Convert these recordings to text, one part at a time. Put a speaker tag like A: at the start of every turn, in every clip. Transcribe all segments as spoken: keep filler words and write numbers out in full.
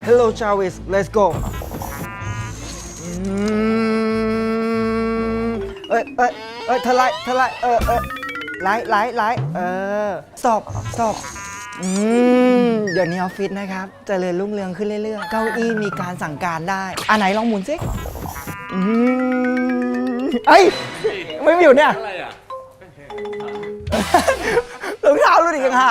A: Hello Jarvis let's go เอ้ยเอ้ยเอ้ยเธอไล่เธอไล่เออเออไล่ไล่ไล่เออ stop stop อืมเดี๋ยวนี้ออฟฟิศนะครับเจริญรุ่งเรืองขึ้นเรื่อยๆเก้าอี้มีการสั่งการได้อันไหนลองหมุนสิอืมเอ้ยไม่มีอยู่เนี่ยรองเท้ารุ่นอีกยังหา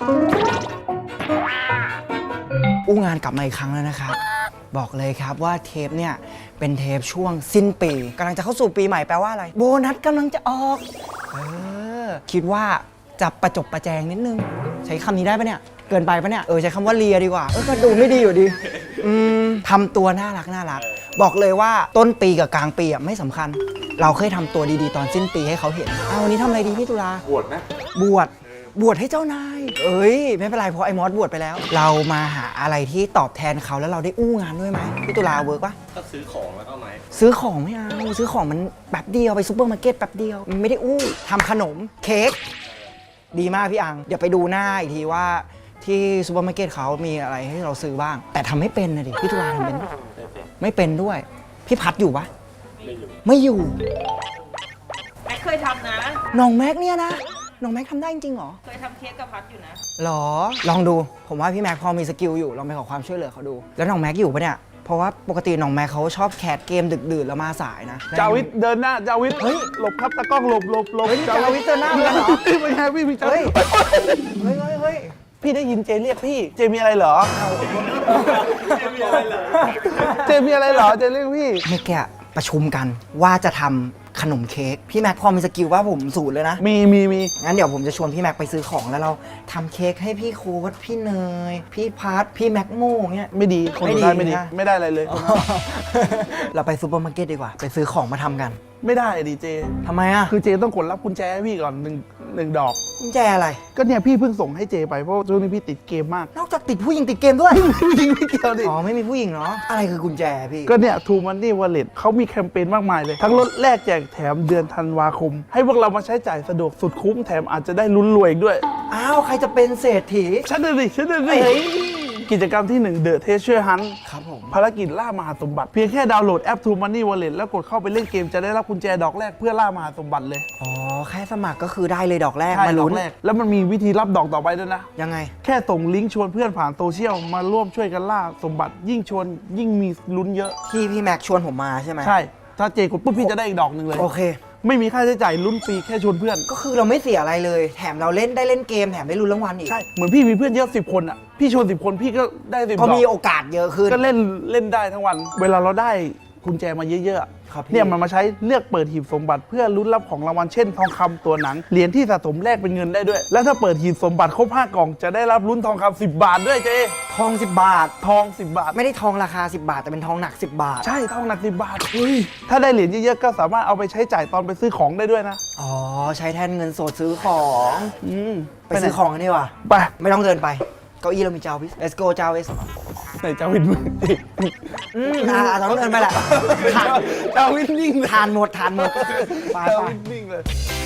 A: อู้งานกลับมาอีกครั้งแล้วนะครับบอกเลยครับว่าเทปเนี่ยเป็นเทปช่วงสิ้นปีกำลังจะเข้าสู่ปีใหม่แปลว่าอะไรโบนัสกำลังจะออกเออคิดว่าจะประจบประแจงนิดนึงใช้คำนี้ได้ปะเนี่ยเกินไปปะเนี่ยเออใช้คำว่าเลียดีกว่าเออก็ดูไม่ดีอยู่ดีอืมทำตัวน่ารักน่ารักบอกเลยว่าต้นปีกับกลางปีอ่ะไม่สำคัญเราเคยทำตัวดีๆตอนสิ้นปีให้เขาเห็นเอาวันนี้ทำอะไรดีพี่ตุลา
B: บวชไหม
A: บวชบวชให้เจ้านายเอ้ยไม่เป็นไรเพราะไอ้มอสบวชไปแล้วเรามาหาอะไรที่ตอบแทนเขาแล้วเราได้อู้งานด้วยไหมพี่ตุลาเวิร์กปะ
B: ก็ซื้อของแล้วก็ไหม
A: ซื้อของไม่เอาซื้อของมันแป๊บเดียวไปซุปเปอร์มาร์เก็ตแป๊บเดียวมันไม่ได้อู้ทำขนมเค้กดีมากพี่อังเดี๋ยวไปดูหน้าอีกทีว่าที่ซุปเปอร์มาร์เก็ตเขามีอะไรให้เราซื้อบ้างแต่ทำไม่เป็นนะดิพี่ตุลาทำเป็นไม่เป็นด้วยพี่พัดอยู่ปะไม่อยู่
C: แม็กเคยทำนะ
A: น้องแม็กเนี่ยนะน้องแม็กทำได้จริงเหรอ
C: เคยทำเค้กกับพัดอยู่นะ
A: หรอลองดูผมว่าพี่แม็กพอมีสกิลอยู่ลองไปขอความช่วยเหลือเขาดูแล้วน้องแม็กอยู่ปะเนี่ยเพราะว่าปกติน้องแม็กเขาชอบแคสเกมดึกดื่นแล้วมาสายนะ
D: จาวิทเดินหน้าจาวิทเฮ้ยหลบครับตะกล้องหลบหลบหลบ
A: จาวิทเดินหน้าเหรอ
D: ไม่ใช่พี่พี่จาวิท
A: เฮ้ยเฮ้ยเฮ้ย
D: พี่ได้ยินเจเรียกพี่เจมีอะไรเหรอเจมีอะไรเหรอเจมีอะไรเหรอเจเรียกพี่
A: เมื่อกี้ประชุมกันว่าจะทำขนมเค้กพี่แม็กพอมีสกิลว่าผมสูตรเลยนะ
D: มีมีมี
A: งั้นเดี๋ยวผมจะชวนพี่แม็กไปซื้อของแล้วเราทำเค้กให้พี่โค้ดพี่เนยพี่พัทพี่แม็กโม่เงี้ย
D: ไม่ดีคนได้ไม่ดีไม่ได้อะไรเลย
A: เราไปซูเปอร์มาร์เก็ตดีกว่าไปซื้อของมาทำกัน
D: ไม่ได้ดีเจ
A: ทำไมอ่ะ
D: คือเจต้องกดรับกุญแจให้พี่ก่อนหนึ่งหนึ่งดอก
A: กุญแจอะไร
D: ก็เนี่ยพี่เพิ่งส่งให้เจไปเพราะช่วงนี้พี่ติดเกมมาก
A: นอกจากติดผู้หญิงติดเกมด้วย
D: ผู้หญิงไม่เกี่ยวดิ
A: อ๋อไม่มีผู้หญิงเนาะอะไรคือกุญแจพี่
D: ก็เนี่ย True Money Wallet เขามีแคมเปญมากมายเลยทั้งลดแลกแจกแถมเดือนธันวาคมให้พวกเรามาใช้จ่ายสะดวกสุดคุ้มแถมอาจจะได้ลุ้นรวยอีกด้วย
A: อ้าวใครจะเป็นเศรษฐี
D: ฉันเลยฉันเลยกิจกรรมที่หนึ่ง The Treasure Hunt
A: ครับผม
D: ภารกิจล่ามหาสมบัติเพียงแค่ดาวน์โหลดแอป True Money Wallet แล้วกดเข้าไปเล่นเกมจะได้รับกุญแจดอกแรกเพื่อล่ามหาสมบัติเลย
A: อ๋อแค่สมัครก็คือได้เลยดอกแรก
D: มาลุ้นแล้วมันมีวิธีรับดอกต่อไปด้วยนะ
A: ยังไง
D: แค่ส่งลิงก์ชวนเพื่อนผ่านโซเชียลมาร่วมช่วยกันล่าสมบัติยิ่งชวนยิ่งมีลุ้นเยอะ
A: ที่พี่แม็กชวนผมมาใช่ไหม
D: ใช่ถ้าเจกดปุ๊บพี่จะได้อีกดอกหนึ่งเลย
A: โอเค
D: ไม่มีค่าใช้จ่ายลุ้นฟรีแค่ชวนเพื่อน
A: ก็คือเราไม่เสียอะไรเลยแถมเราเล่นได้เล่นเกมแถมได้ลุ้นรางวัลอีก
D: ใช่เหมือนพี่มีเพื่อนเยอะสิบคนอ่ะพี่ชวนสิบคนพี่ก็ได้สิบดอก
A: พอมีโอกาสเยอะขึ้น
D: ก็เล่นเล่นได้ทั้งวันเวลาเราได้กุญแจมาเยอะๆเนี่ยมันมาใช้เลือกเปิดหีบสมบัติเพื่อลุ้นรับของรางวัลเช่นทองคำตัวหนังเหรียญที่สะสมแลกเป็นเงินได้ด้วยแล้วถ้าเปิดหีบสมบัติครบห้ากล่องจะได้รับลุ้นทองคำสิบบาทด้วยเจ
A: ทองสิบบาท
D: ทองสิบบาท
A: ไม่ได้ทองราคาสิบบาทแต่เป็นทองหนักสิบบาท
D: ใช่ทองหนักสิบบาทเฮ้ยถ้าได้เหรียญเยอะๆก็สามารถเอาไปใช้จ่ายตอนไปซื้อของได้ด้วยนะ
A: อ๋อใช้แทนเงินสดซื้อของ
D: อืม
A: ไปซื้อของกันดีกว่า
D: ไป
A: ไม่ต้องเดินไปเก้าอี้เรามีจาวิส let's go จาวิส
D: ไหนจาวิสมึง
A: อืมอ่าต้องเดินไปแหละ
D: จาวิสนิ่ง
A: ทานหมดทานหมด
D: จาวิสนิ่งเลย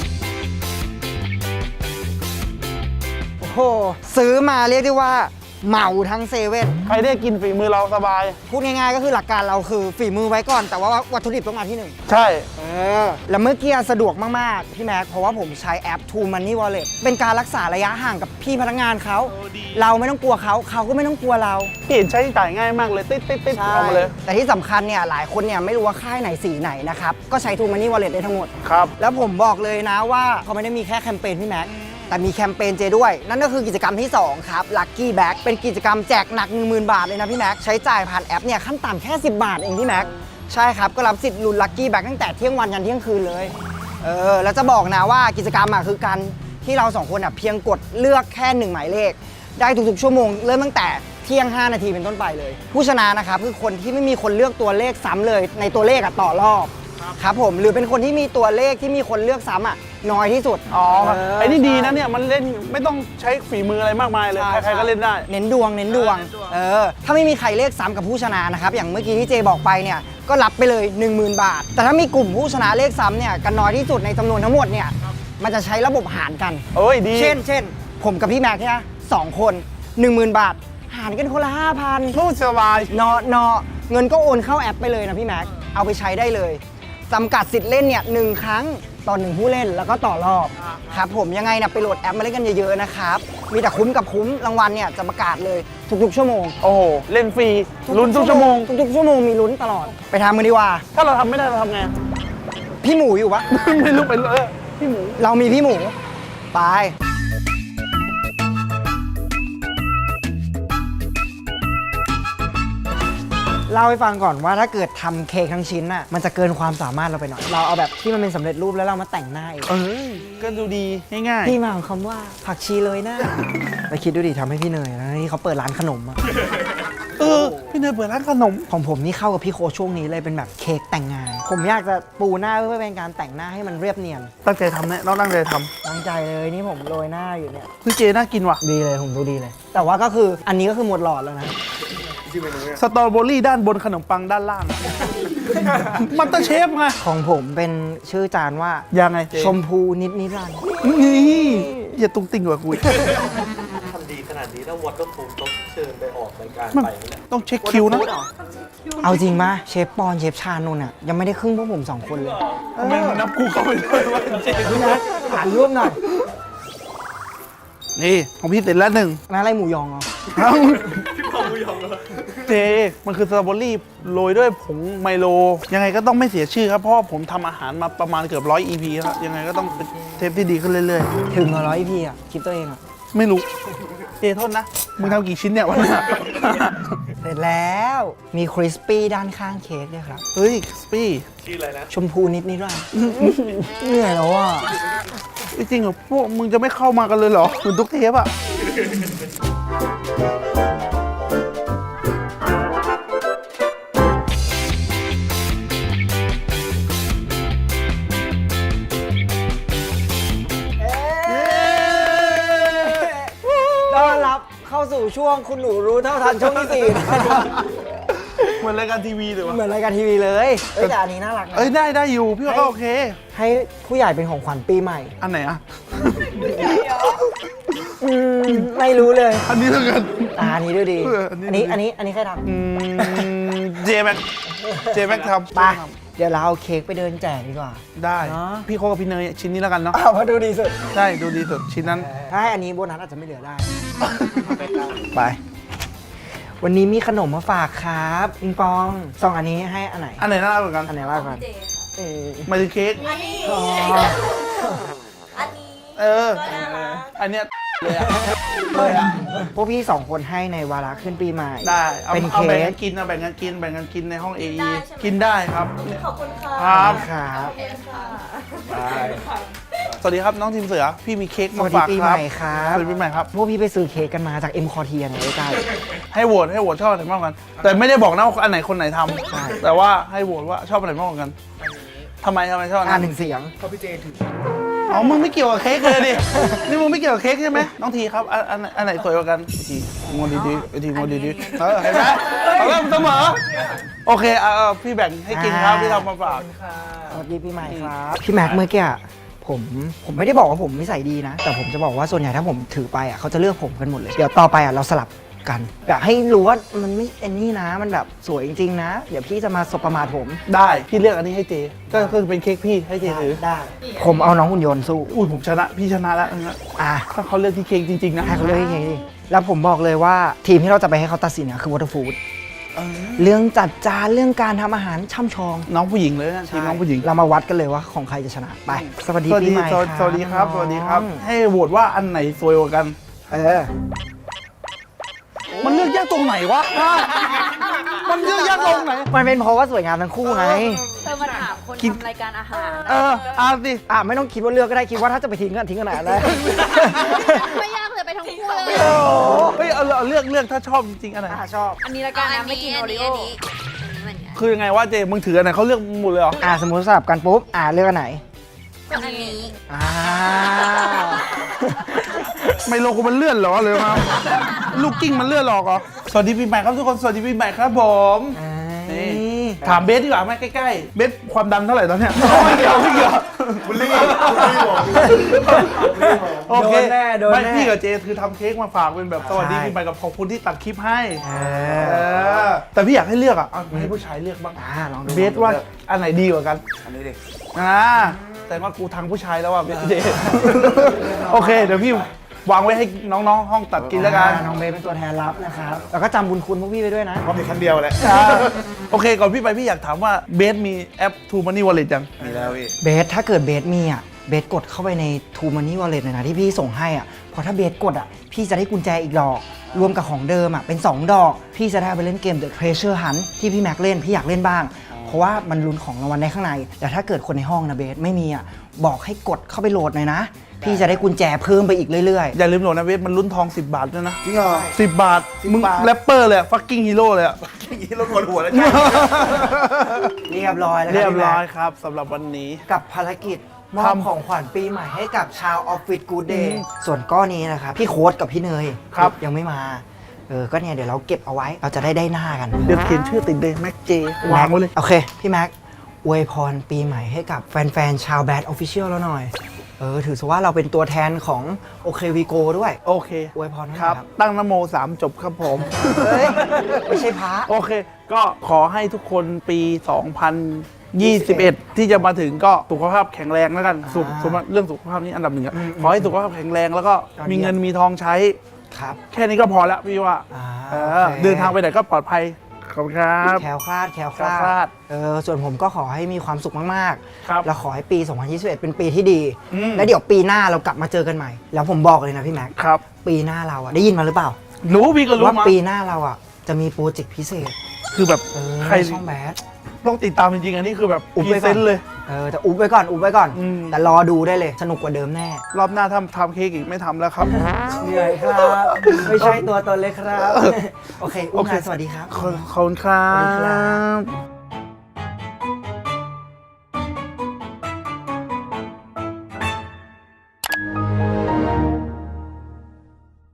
A: โอ้โหซื้อมาเรียกได้ว่าเหมาทั้งเซเว่น
D: ใครได้กินฝีมือเราสบาย
A: พูดง่ายๆก็คือหลักการเราคือฝีมือไว้ก่อนแต่ว่าวัตถุดิบต้องมาที่หนึ่ง
D: ใช่
A: เออแล้วเมื่อกี้สะดวกมากๆพี่แม็กเพราะว่าผมใช้แอป True Money Wallet เป็นการรักษาระยะห่างกับพี่พนักงานเขาเราไม่ต้องกลัวเขาเขาก็ไม่ต้องกลัวเรา
D: เห็นใช้จ่ายง่ายมากเลยติ๊ดติ๊ดติ๊ดเอามาเลย
A: แต่ที่สำคัญเนี่ยหลายคนเนี่ยไม่รู้ว่าค่ายไหนสีไหนนะครับก็ใช้ True Money Wallet ได้ทั้งหมด
D: ครับ
A: แล้วผมบอกเลยนะว่าเขาไม่ได้มีแค่แคมเปญพี่แม็กแต่มีแคมเปญเจด้วยนั่นก็คือกิจกรรมที่สองครับ Lucky Bag เป็นกิจกรรมแจกหนัก หนึ่งหมื่น บาทเลยนะพี่แม็กใช้จ่ายผ่านแอปเนี่ยขั้นต่ำแค่สิบบาทเองพี่แม็กใช่ครับก็รับสิทธิ์ลุ้น Lucky Bag ตั้งแต่เที่ยงวันยันเที่ยงคืนเลยเออแล้วจะบอกนะว่ากิจกรรมอ่ะคือการที่เราสองคนอ่ะเพียงกดเลือกแค่หนึ่งหมายเลขได้ทุกๆชั่วโมงเริ่มตั้งแต่เที่ยงห้านาทีเป็นต้นไปเลยผู้ชนะนะครับคือคนที่ไม่มีคนเลือกตัวเลขซ้ำเลยในตัวเลขอ่ะต่อรอบครับผมหรือเป็นคนที่มีตัวเลขที่มีคนเลือกซ้ำอ่ะน้อยที่สุด
D: อ๋อไอ้นี่ดีนะเนี่ยมันเล่นไม่ต้องใช้ฝีมืออะไรมากมายเลยใครๆก็เล่นได้
A: เน้นดวงเน้นดวงเออถ้าไม่มีใครเลขซ้ำกับผู้ชนะนะครับอย่างเมื่อกี้ที่เจบอกไปเนี่ยก็รับไปเลย หนึ่งหมื่น บาทแต่ถ้ามีกลุ่มผู้ชนะเลขซ้ำเนี่ยกันน้อยที่สุดในจำนวนทั้งหมดเนี่ยมันจะใช้ระบบหารกัน
D: โอ้ยดี
A: เช่นเช่นผมกับพี่แม็กเนี่ยสองคน หนึ่งหมื่น บาทหารกันคนละห้าพัน
D: พูดสบาย
A: เนาะเนาะเงินก็โอนเข้าแอปไปเลยนะพี่แม็กเอาไปใช้ได้เลยจำกัดสิทธิ์เล่นเนี่ยหนึ่งครั้งต่อหนึ่งผู้เล่นแล้วก็ต่อรอบครับผมยังไงนะไปโหลดแอปมาเล่นกันเยอะๆนะครับมีแต่คุ้มกับคุ้มรางวัลเนี่ยจะประกาศเลยทุกๆชั่วโมง
D: โอ้โห เล่นฟรีลุ้นทุกชั่วโมง
A: ทุกๆชั่วโมงมีลุ้นตลอดไปทำกันดีกว่า
D: ถ้าเราทำไม่ได้เราทำไง
A: พี่หมูอยู่ปะ
D: ไม่รู้เป็นเออพี่หมู
A: เรามีพี่หมูไปเล่าให้ฟังก่อนว่าถ้าเกิดทำเค้กทั้งชิ้นน่ะมันจะเกินความสามารถเราไปหน่อยเราเอาแบบที่มันเป็นสำเร็จรูปแล้วเรามาแต่งหน้าเอง
D: เออก็ดูดีง่าย
A: ที่มาของคำว่าผักชีเลยนะไปคิดดูดิทำให้พี่เนยนะนี่เขาเปิดร้านขนมอะ
D: ๆเออพี่เนยเปิดร้านขนม
A: ของผมนี่เข้ากับพี่โคช่วงนี้เลยเป็นแบบเค้กแต่งงาน ผมอยากจะปูหน้าเพื่อเป็นการแต่งหน้าให้มันเรียบเนียน
D: ตั้งใจทำเนี่ยเราตั้งใจท
A: ตั้งใจเลยนี่ผมโรยหน้าอยู่เนี่ย
D: ำพี่เจน่ากินว่ะ
A: ดีเลยผมดูดีเลย แต่ว่าก็คืออันนี้ก็คือหมดหลอดแล้วนะ
D: สตรอเบอรี่ด้านบนขนมปังด้านล่าง มันตอร์เชฟไง
A: ของผมเป็นชื่อจานว่า
D: ยังไงเจ
A: ชมพูนิดนิรันดร์
D: นี่อย่าตุ้งติ่งกว่ากูอีก
B: ทำดีขนาดนี้ถ้าวอเตอร์พูลต้องเชิญไปออกรายการ
D: มัน
B: ไปแล้ว
D: ต้องเช็คคิวนะ
A: เอาจริงปะเชฟปอนเชฟชานนท์อ่ะยังไม่ได้ครึ่งพวกผมสองคนเลย
D: ทำไมมึงนับกูเข้าไปด้วยวะเจ
A: พี่นัทอ่านร่วมหน่อย
D: นี่ของพี่เสร็จแล้วหนึ่ง
A: นั่นอะไรหมูยองเหรอ
D: เจมันคือสตรอเบอรี่โรยด้วยผงไมโล ยังไงก็ต้องไม่เสียชื่อครับ เพราะว่าผมทำอาหารมาประมาณเกือบร้อย อี พี ครับ ยังไงก็ต้องเป็นเทปที่ดีขึ้นเรื่อย
A: ถึงเหรอร้อยพี่อ่ะคิดตัวเองอ่ะ
D: ๆ ไม่รู้ เจโทษนะ มึงทำกี่ชิ้นเนี่ยวันนี้
A: เสร็จแล้วมีคริสปี้ด้านข้างเค้กด้วยครับ
D: เฮ้ยสปี้
B: ชื่ออะไรนะ
A: ชมพูนิดนิรันดร์เหนื่อยแล้วอ่ะ
D: จริงๆเหรอพวกมึงจะไม่เข้ามากันเลยเหรอเหมือนทุกเทปอะ
A: ต้อนรับเข้าสู่ช่วงคุณหนูรู้เท่าทันช่วงที่สี่นะครับ
D: เหมือนรายการทีวีเลยวะ
A: เหมือนรายการทีวีเลยเอ้ยแต่อันนี้น่ารักนะ
D: เอ้ยได้ได้อยู่ พี่ว่าก็โอเค
A: ให้ผู้ใหญ่เป็นของขวัญปีใหม่
D: อันไหนอะ
A: อืมไม่รู้เลย
D: อันนี้แล้วกัน
A: อ่าอันนี้ดูดี
D: เอออั
A: อั
D: น
A: น
D: นี้
A: นี้อันนี้อันนี้ใครท
D: อืมเจแม็กเจแม็กทำ
A: ำไปเดี๋ยวเราเอาเค้กไปเดินแจกดีกว่า
D: ได้
A: เนอะ
D: พี่โคกับพี่เนยชิ้นนี้แล้วกันเนาะ
A: อ้าวมาดูดีสุด
D: ได้ดูดีสุดชิ้นนั้น
A: ถ้าให้อันนี้โบนัสอาจจะไม่เหลือได้ ไป วันนี้มีขนมมาฝากครับปิงปองสองอันนี้ให้อันไหน
D: อันไหนน่ารักกว่ากัน
A: อันไหนว่ากันเออ
D: หมายถึงเค้ก
C: อันนี้
A: อ๋อ
C: อันนี้
D: เออ
C: ก็น่ารัก
D: อันเนี้ยเลยอะเลยอะ
A: พวกพี่สองคนให้ในวาระขึ้นปีใหม่
D: ได้เอา
A: เป็น
D: เอา
A: เค้
D: แบ่ง
A: ก
D: กันกินเอาแบ่งกันกินแบ่งกันกินในห้องเอ
C: ได้ใช่ไหม
D: กินได้ครับ
C: ขอบคุณค่ะ
D: ครับ
A: ครับ
C: ขอบคุณค่ะ
D: สวัสดีครับน้องทีมเสือพี่มีเค้ก
A: ส
D: มา
A: วัสดี
D: ฝาก
A: ปี
D: ค
A: ให
D: รับ
A: ม่ครับ
D: สวัสดีปีใหม่ครับ
A: พวกพี่ไปซื้อเค้กกันมาจากเอ็มคอเทียเนี่ยใกล้
D: ให้โหวตให้โหวตชอบอันไหนมากกว่ากัน แต่ไม่ได้บอกนะว่าอันไหนคนไหนท
A: ใช่
D: ำแต่ว่าให้โหวตว่าชอบอันไหนมากกว่ากันทำไมทำไมชอบอัน
A: อ่า
D: นั้น
A: หนึ่งเสียง
D: อ๋อมึงไม่เกี่ยวกับเค้กเลยดินี่มึงไม่เกี่ยวกับเค้กใช่ไหมน้องทีครับอันอันอันไหนสวยกว่ากันทีงงดีๆไอทีงงดีๆเออเห็นไหมเอาเริ่มเสมอโอเคเอาเอาพี่แบ่งให้กินครับพี่ทำมาฝาก
A: สวัสดีปีใหม่ครับ พี่แม็กเมื่อกี้อะผมผมไม่ได้บอกว่าผมนิสัยดีนะ แต่ผมจะบอกว่าส่วนใหญ่ถ้าผมถือไปอ่ะเขาจะเลือกผมกันหมดเลย เดี๋ยวต่อไปอ่ะเราสลับกันอยากให้รู้ว่ามันไม่เอ็นนี่นะ มันแบบสวยจริงๆนะ เดี๋ยวพี่จะมาสบประมาทผม
D: ได้พี่เลือกอันนี้ให้เจก็คือเป็นเค้กพี่ให้เจถือ
A: ได้ ผมเอาน้องหุ่นยนต์สู้
D: อุ้ยผมชนะพี่ชนะแล้วนะ
A: อ่ะ
D: ถ้าเขาเลือกที่เค้กจริงๆนะ
A: ให้เขาเลือกให้เองดิแล้วผมบอกเลยว่าทีมที่เราจะไปให้เขาตัดสินเนี่ยคือวอเตอร์ฟู้ด
D: เออ
A: เรื่องจัดจานเรื่องการทำอาหารช่ำชอง
D: น้องผู้หญิงเลยนะทีมน้องผู้หญิง
A: เรามาวัดกันเลยว่าของใครจะชนะไปสวัสดี
D: สวัส
A: ปี
D: ดี
A: ใหม่
D: สวัสดีสวัสดีครับ สวัสดีครับ
A: น้อง
D: ให้โหวตว่าอันไหนสวยกว่ากัน
A: เออ
D: มันเลือกยากตรงไหนวะ มันเลือกยากตรงไหน
A: มันเป็นเพราะว่าสวยงามทั้งคู่ไง
C: เธอมาถามคน
D: กิน
C: ทำรายการอาหาร
D: เอออ่านสิ
A: อ่ะไม่ต้องคิดว่าเลือกก็ได้คิดว่าถ้าจะไปทิ้งก็ทิ้งกันไหนได้
C: ไม่ยากเลยไปทั้งคู่เลย
A: โอ้โห
D: เฮ้ยเอาเอาเลือกเลือกถ้าชอบจริงๆอันไหน
A: อ่ะชอบ
C: อันนี้ละกันนะไม่กินโอริโอ
D: คือยังไงว่าเจมึงถืออันไหนเขาเลือกหมดเลยเหรอ
A: อ่ะสมมติสลับกันปุ๊บอ่ะเลือกอันไหน
C: อันนี้
A: อ่า
D: ไมโลกูมันเลื่อนเหรอเลยมาลูกกิ้งมันเลื่อนหรอกเหรอสวัสดีปีใหม่ครับทุกคนสวัสดีปีใหม่ครับผม
A: อ่า
D: นี่
A: นี่
D: ถามเบสดีกว่าไหมใกล้ๆเบสความดันเท่าไหร่ตอนเนี้ยไม่เกี่ยวไม่เกี่ยว
B: บุลลี่บุลลี่ผมบุลลี่ผม
D: โอเค
A: โดนแน่โดน
D: ไม่
A: แน่
D: พี่กับเจคือทำเค้กมาฝากเป็นแบบสวัสดี
A: ใช่
D: ปีใหม่กับขอบคุณที่ตัดคลิปให้
A: เอ
D: เอ
A: อ
D: อแต่พี่อยากให้เลือกอ่ะเอาให้ผู้ชายเลือกบ้าง
A: อ่าลองดู
D: เบสว่าอันไหนดีกว่ากัน
B: อันนี้ดิ
D: อ่าแต่ว่ากูทางผู้ชายแล้วอ่ะเบสเจโอเคเดี๋ยวพี่วางไว้ให้น้องๆห้องตัดกินแล้วกัน
A: น้องเบสเป็นตัวแทนรับนะครับแล้วก็จำบุญคุณพวกพี่ไปด้วยนะ
B: เพราะมีคันเดียวแหละ
D: อ่าโอเคก่อนพี่ไปพี่อยากถามว่าเบสมีแอป True Money Wallet ยัง
B: มีแล้วพี่
A: เบสถ้าเกิดเบสมีอ่ะเบสกดเข้าไปใน True Money Wallet เลยนะที่พี่ส่งให้อ่ะเพราะถ้าเบสกดอ่ะพี่จะได้กุญแจอีกดอก รวมกับของเดิมอ่ะเป็น สอง ดอก พี่จะได้เอาไปเล่นเกม The Treasure Hunt ที่พี่แม็กเล่นพี่อยากเล่นบ้าง เพราะว่ามันลุ้นของรางวัลได้ข้างใน แต่ถ้าเกิดคนในห้องนะเบสไม่มีอ่ะบอกให้กดเข้าไปโหลดหน่อยนะ พี่จะได้กุญแจเพิ่มไปอีกเรื่อย
D: อย่าลืมโหลดนะเบสมันลุ้นทอง สิบบาทด้วยนะ
B: จริงเหรอ
D: สิบบาท มึง
B: บาท
D: แรปเปอร์เลยอะ fucking hero เลยอะ
B: อย่างนี้เราปวดหัวแล้วใช่
A: ๆ เรียบร้อยแล้วค
D: เรี
A: บ
D: ยบ
A: พี่แม็ก
D: ร้อยครับสำหรับวันนี้
A: กับภารกิจมอบ
D: ทำ
A: ของขวัญปีใหม่ให้กับชาวออฟฟิศกูเด
D: อื
A: ย์
D: ม
A: ส่วนก้อนนี้นะครับพี่โค้ดกับพี่เนย
D: ครับ
A: ยังไม่มาเออก็เนี่ยเดี๋ยวเราเก็บเอาไว้เราจะได้ได้หน้ากัน
D: เดี๋ยวเขียนชื่อติดเลยแม็กเจวางไว้เลย
A: โอเค พี่แม็กอวยพรปีใหม่ให้กับแฟนๆ ชาวแบดออฟฟิเชียลแล้วหน่อย เออ ถือซะว่าเราเป็นตัวแทนของโอเควีโกด้วย
D: โอเค
A: อวยพรให้
D: ครับ
A: ครับ
D: ตั้งนโมสามจบครับผม
A: เฮ้ย ไม่ใช่พระ
D: โอเค ก็ขอให้ทุกคนปี สองพันยี่สิบเอ็ด ที่จะมาถึงก็สุขภาพแข็งแรงแล้วกันสุข
A: อ่า
D: สุขภาพเรื่องสุขภาพนี้อันดับหนึ่งอะ
A: อืม
D: ขอให้สุขภาพแข็งแรงแล้วก็
A: ยอดเยี่ยม
D: มีเงินมีทองใช้
A: ครับ
D: แค่นี้ก็พอแล้วพี่ว่า
A: อ่า
D: เออ
A: โอเค
D: เดินทางไปไหนก็ปลอดภัยขอบคุณครับ
A: แคล้วคลาดแคล้วค
D: แคล้ว
A: ลา
D: คลา
A: ด
D: ด
A: เออ ส่วนผมก็ขอให้มีความสุขมาก
D: ครับ
A: ๆ แล้วขอให้ปี สองพันยี่สิบเอ็ด เป็นปีที่ดี
D: อืม
A: แล้วเดี๋ยวปีหน้าเรากลับมาเจอกันใหม่ แล้วผมบอกเลยนะพี่แม็ก
D: ครับ
A: ปีหน้าเราอะได้ยินมาหรือเปล่า
D: รู้พี่ก็รู้
A: ว่า
D: มา
A: ปีหน้าเราอะจะมีโปรเจกต์พิเศษ
D: คือแบบ
A: เออ
D: ใคร
A: ช่องแบด
D: ต้องติดตามจริงๆ อันนี้คือแบบ
A: อุบ
D: พ
A: ไว้
D: รี
A: ก่
D: เซ
A: อน
D: นต์เลย
A: เออแต่อุบไว้ก่อนอุบไว้ก่อน
D: อืม
A: แต่รอดูได้เลย สนุกกว่าเดิมแน่
D: รอบหน้าทำทำเค้กอีกไม่ทำแล้วครับ
A: เหนื่อยครับ ไม่ใช่ตัวตนเลยครับ โอเค อุ้ม
D: โอเค
A: นายสวัสดีครับ
D: ขอบคุณครั
A: สวัสดีครับ บ